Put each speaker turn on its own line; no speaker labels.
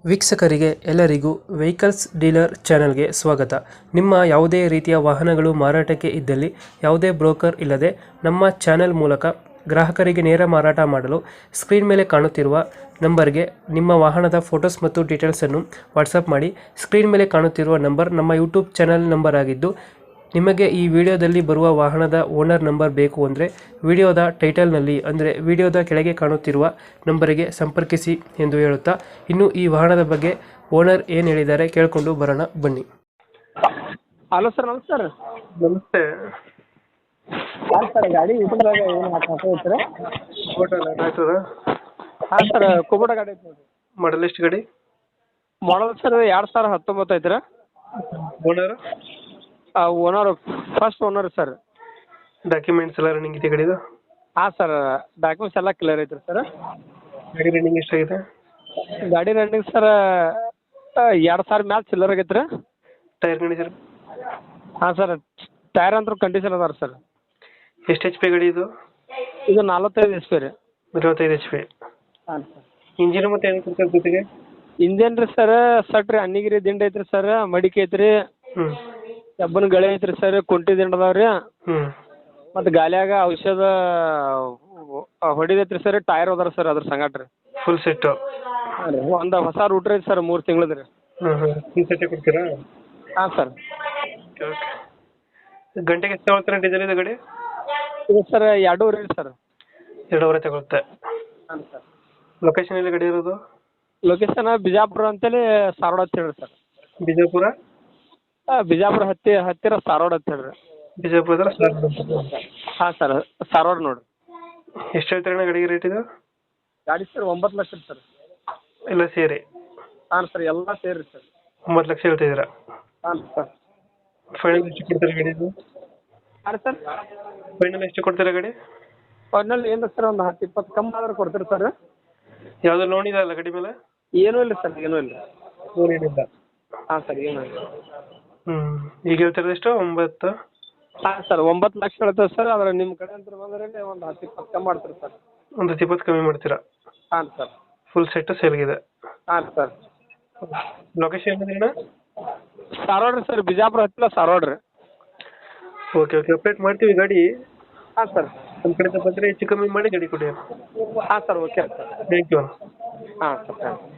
ವೀಕ್ಷಕರಿಗೆ ಎಲ್ಲರಿಗೂ vehicles dealer ಚಾನೆಲ್ಗೆ ಸ್ವಾಗತ. ನಿಮ್ಮ ಯಾವುದೇ ರೀತಿಯ ವಾಹನಗಳು ಮಾರಾಟಕ್ಕೆ ಇದ್ದಲ್ಲಿ ಯಾವುದೇ ಬ್ರೋಕರ್ ಇಲ್ಲದೆ ನಮ್ಮ ಚಾನೆಲ್ ಮೂಲಕ ಗ್ರಾಹಕರಿಗೆ ನೇರ ಮಾರಾಟ ಮಾಡಲು ಸ್ಕ್ರೀನ್ ಮೇಲೆ ಕಾಣುತ್ತಿರುವ ನಂಬರ್ಗೆ ನಿಮ್ಮ ವಾಹನದ ಫೋಟೋಸ್ ಮತ್ತು ಡೀಟೇಲ್ಸನ್ನು ವಾಟ್ಸಪ್ ಮಾಡಿ. ಸ್ಕ್ರೀನ್ ಮೇಲೆ ಕಾಣುತ್ತಿರುವ ನಂಬರ್ ನಮ್ಮ ಯೂಟ್ಯೂಬ್ ಚಾನೆಲ್ ನಂಬರ್ ಆಗಿದ್ದು, ನಿಮಗೆ ಈ ವಿಡಿಯೋದಲ್ಲಿ ಬರುವ ವಾಹನದ ಓನರ್ ನಂಬರ್ ಬೇಕು ಅಂದರೆ ವಿಡಿಯೋದ ಟೈಟಲ್ನಲ್ಲಿ ಅಂದರೆ ವಿಡಿಯೋದ ಕೆಳಗೆ ಕಾಣುತ್ತಿರುವ ನಂಬರಿಗೆ ಸಂಪರ್ಕಿಸಿ ಎಂದು ಹೇಳುತ್ತಾ, ಇನ್ನು ಈ ವಾಹನದ ಬಗ್ಗೆ ಓನರ್ ಏನು ಹೇಳಿದ್ದಾರೆ ಕೇಳಿಕೊಂಡು ಬರೋಣ ಬನ್ನಿ.
ಹಲೋ ಸರ್, ನಮಸ್ಕಾರ.
ನಮಸ್ತೆ.
ಹಾಂ ಸರ್, ಗಾಡಿ ಯೂಟ್ಯೂಬ್ದಾಗ ಏನು ಹಾಕೋತೀರಾ? ಹಾಂ ಸರ್, ಕುಬೋಟ ಗಾಡಿ ಐತೆ ನೋಡಿರಿ.
ಮಾಡಲ್ ಎಷ್ಟು ಗಾಡಿ?
ಮಾಡಲ್ ಸರ್ 2019 ಐತ್ರಿ.
Owner?
Owner first owner sir.
Documents ಎಲ್ಲ ರನ್ನಿಂಗ್ ಇದೆ ಗಾಡಿದು?
ಹಾಂ ಸರ್, ಡಾಕ್ಯುಮೆಂಟ್ಸ್ ಎಲ್ಲ ಕ್ಲಿಯರ್ ಐತ್ರಿ ಸರ್.
ಗಾಡಿ ರನ್ನಿಂಗ್ ಎಷ್ಟಾಗಿದೆ?
ಗಾಡಿ ರನ್ನಿಂಗ್ ಸರ್ 2000 ಮ್ಯಾಲೆ ಚಿಲ್ಲರ್ ಆಗೈತೆ ರೀ.
Tyre condition?
ಹಾಂ ಸರ್, ಟೈರ್ ಅಂತೂ ಕಂಡೀಷನ್ ಅದಾರ ಸರ್.
ಎಷ್ಟು ಎಚ್ ಪಿ ಗಾಡಿ ಇದು?
ಇದು 45 HP ರೀ.
45 ಎಚ್ ಪಿ.
ಹಾಂ ಸರ್.
ಇಂಜಿನ್ ಮತ್ತೆ ಏನು ಕೊಡ್ತಾರೆ ಜೊತೆಗೆ?
ಇಂಜನ್ ರೀ ಸರ್, ಸಟ್ರಿ ಅನ್ನಿಗಿರಿ ದಿಂಡ ಐತ್ರಿ ಸರ್, ಮಡಿಕೆ ಐತ್ರಿ, ಕಬ್ಬನ ಗಳೆ ಐತ್ರಿ ಸರ್, ಕುಂಟಿ ದಿಂಡ ಅದಾವ್ರಿ, ಮತ್ತು ಗಾಲಿಯಾಗ ಔಷಧ ಹೊಡಿದೈತ್ರಿ ಸರ್. ಟೈರ್ ಅದಾರ ಸರ್ ಅದ್ರ ಸಂಗಟ ರೀ.
Full set?
ಹಾಂ ರೀ, ಒಂದು ಹೊಸ ರೂಟ್ರ್ ಐತಿ ಸರ್, 3 ತಿಂಗಳದ ರೀ.
ಫುಲ್ ಸೆಟ್ಟೇ ಕೊಡ್ತೀರಾ?
ಹಾಂ ಸರ್.
ಗಂಟೆಗೆ ಎಷ್ಟು ತಗೊಳ್ತಾರೆ ಡೀಸೆಲ್ ಇದು ಗಾಡಿ?
ಇದು ಸರ್ 2.5 ರೀ ಸರ್.
2.5 ತಗೊಳುತ್ತೆ.
ಹಾಂ ಸರ್.
ಲೊಕೇಶನ್ ಎಲ್ಲಿ ಗಾಡಿ ಇರೋದು?
ಲೊಕೇಶನ್ ಬಿಜಾಪುರ ಅಂತೇಳಿ ಸಾರೋಡ್ ಅಂತ ಹೇಳ್ರಿ ಸರ್.
ಬಿಜಾಪುರ?
ಬಿಜಾಪುರ ಹತ್ತಿರ ಸಾರೋಡ್ ಅಂತ ಹೇಳ್ರಿ.
ಬಿಜಾಪುರ?
ಹಾಂ ಸರ್, ಸಾರೋಡ್ ನೋಡ್ರಿ.
ಎಷ್ಟು ಹೇಳ್ತಾರೆ ಗಾಡಿಗೆ ರೇಟ್ ಇದು?
ಗಾಡಿ ಸರ್ 9 ಲಕ್ಷ ಸರ್.
ಎಲ್ಲ ಸೇರಿ?
ಹಾಂ ಸರ್, ಎಲ್ಲ ಸೇರಿ ಸರ್.
9 ಲಕ್ಷ ಹೇಳ್ತಿದ್ದೀರಾ?
ಹಾಂ ಸರ್.
ಫೈನಲ್ ಎಷ್ಟು ಕೊಡ್ತಾರೆ ಗಾಡಿ ಇದು?
ಹಾಂ ಸರ್.
ಫೈನಲ್ ಎಷ್ಟು ಕೊಡ್ತೀರಾ ಗಾಡಿ?
ಫೈನಲ್ ಏನು ಸರ್, ಒಂದು 10-20 ಕಮ್ಮಿ ಆದ್ರೆ ಕೊಡ್ತೀರಿ ಸರ್.
ಯಾವುದು ಲೋನ್ ಇದೆ ಅಲ್ಲ ಗಾಡಿ ಮೇಲೆ?
ಏನೂ ಇಲ್ಲ ಸರ್, ಏನೂ ಇಲ್ಲ.
ಲೋನ್ ಏನಿಲ್ಲ?
ಹಾಂ ಸರ್, ಏನೂ ಇಲ್ಲ.
ಈಗ ಹೇಳ್ತಿರೋದು ಎಷ್ಟು? 9?
ಹಾಂ ಸರ್, 9 ಲಕ್ಷ ಹೇಳ್ತೇವೆ ಸರ್. ಆದ್ರೆ ನಿಮ್ಮ ಕಡೆ ಅಂತ ಬಂದ್ರೆ ಒಂದು 10-20 ಕಮ್ಮಿ ಮಾಡ್ತೀರಿ ಸರ್.
ಒಂದು 20 ಕಮ್ಮಿ ಮಾಡ್ತೀರಾ?
ಹಾಂ ಸರ್.
Full set ಸೇಲ್ಗಿದೆ?
ಹಾಂ ಸರ್.
ಲೊಕೇಶನ್ ಏನಿದೆ?
ಸಾರೋಡ್ ರೀ ಸರ್, ಬಿಜಾಪುರ ಹತ್ತಿರ ಸಾರೋಡ್ ರೀ.
ಓಕೆ ಅಪ್ಡೇಟ್ ಮಾಡ್ತೀವಿ ಗಾಡಿ.
ಹಾಂ ಸರ್.
ನಮ್ಮ ಕಡೆಯಿಂದ ಬಂದರೆ ಹೆಚ್ಚು ಕಮ್ಮಿ ಮಾಡಿ ಗಾಡಿ ಕೊಡಿ.
ಹಾಂ sir, okay sir.
Thank you.
ಹಾಂ ಸರ್, ಥ್ಯಾಂಕ್ ಯು.